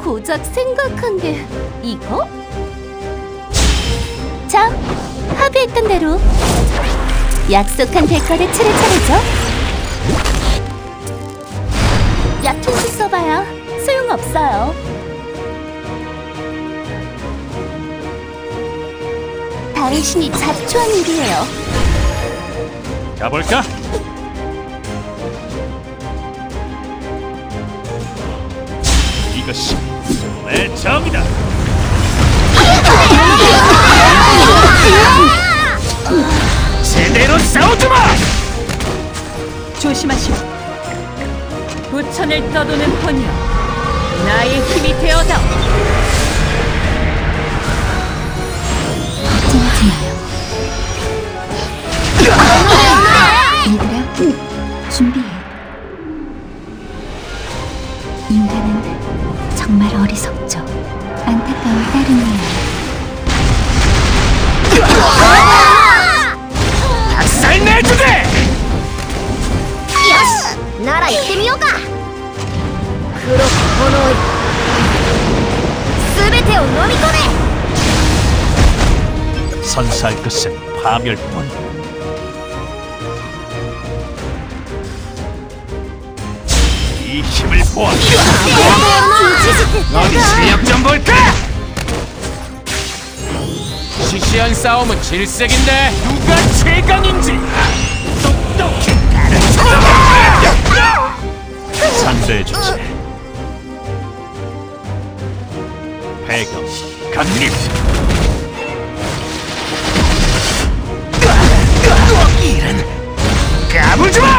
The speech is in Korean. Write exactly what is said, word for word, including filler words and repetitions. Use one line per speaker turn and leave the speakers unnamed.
고작 생각한 게 이거? 자, 합의했던 대로 약속한 대가를 치를 차례죠. 얕은 수 써봐야 소용없어요. 당신이 자초한 일이에요.
가볼까? 이것이 내 정이다. 제대로 싸우지마!
조심하시오. 부천을 떠도는 본이여, 나의 힘이 되어다.
걱정하지 마요. 얘들아, 준비해. 인간은 정말 어리석죠. 안타까울 따름이에요.
박살 내주게!
よし、なら行ってみようか。黒く炎よ、すべてを飲み込め。
선사할 것은 파멸뿐. 이 힘을 보아. 어디 실력 좀 볼까? 시시한 싸움은 질색인데 누가 최강인지 똑똑히 가르쳐라. 상대해주지. 배경 강림. 이런 까불지마!